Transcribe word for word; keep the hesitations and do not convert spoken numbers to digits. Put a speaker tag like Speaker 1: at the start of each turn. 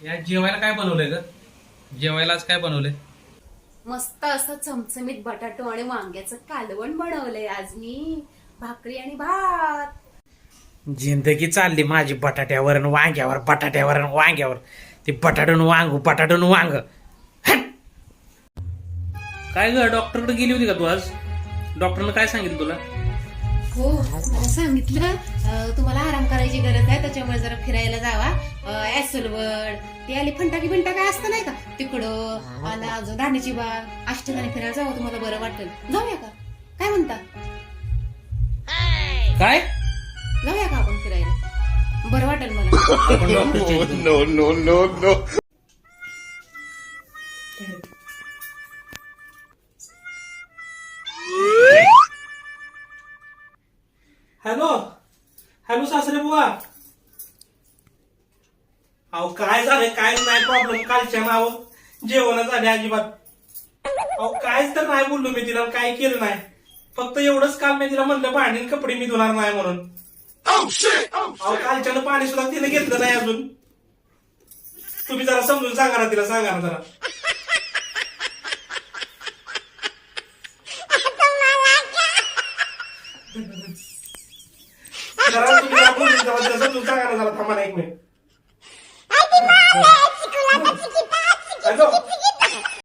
Speaker 1: या जेवायला काय बनवलंय ग? जेवायला आज काय बनवलंय?
Speaker 2: मस्त असं चमचमीत बटाटो आणि वांग्याचं कालवण बनवलंय आज मी. भाकरी आणि भात.
Speaker 1: जिंदगी चालली माझी बटाट्यावर आणि वांग्यावर, बटाट्यावर आणि वांग्यावर. ते बटाटून वांग, बटाटून वांग. हट! काय ग, डॉक्टरकडे गेली होती का तू आज? डॉक्टरनं काय सांगितलं तुला?
Speaker 2: हो, मला सांगितलं अं, तुम्हाला आराम करायची गरज आहे, त्याच्यामुळे जरा फिरायला जावा. ऍसलवड ते आली फंटाकी बिंटा काय असतं नाही का तिकडं, आणि अजून राणीची बाग, अष्टधानी फिरायला जावं, तुम्हाला बरं वाटेल. जाऊया का? काय म्हणता?
Speaker 1: काय?
Speaker 2: जाऊया का आपण फिरायला? बरं वाटेल मला.
Speaker 1: आपण डॉक्टरच्या
Speaker 3: no, no, no, no.
Speaker 1: Hello hello सासरे बुवा. अहो काय झालंय? काय नाही प्रॉब्लेम. कालच्या नाव जेवण झाले अजिबात. अहो कायच तर नाही बोललो मी तिला, काय केलं नाही. फक्त एवढंच काल मी तिला म्हणलं भांडी आणि कपडे मी धुणार नाही म्हणून. अहो कालच्यानं पाणी सुद्धा तिने घेतलं नाही अजून. तुम्ही जरा समजून सांगा ना तिला, सांगा ना जरा. जरा तुम्ही जरा बोलून जरा तिला समजून सांगा ना जरा. थांबा ना एक मिनिट. हॅलो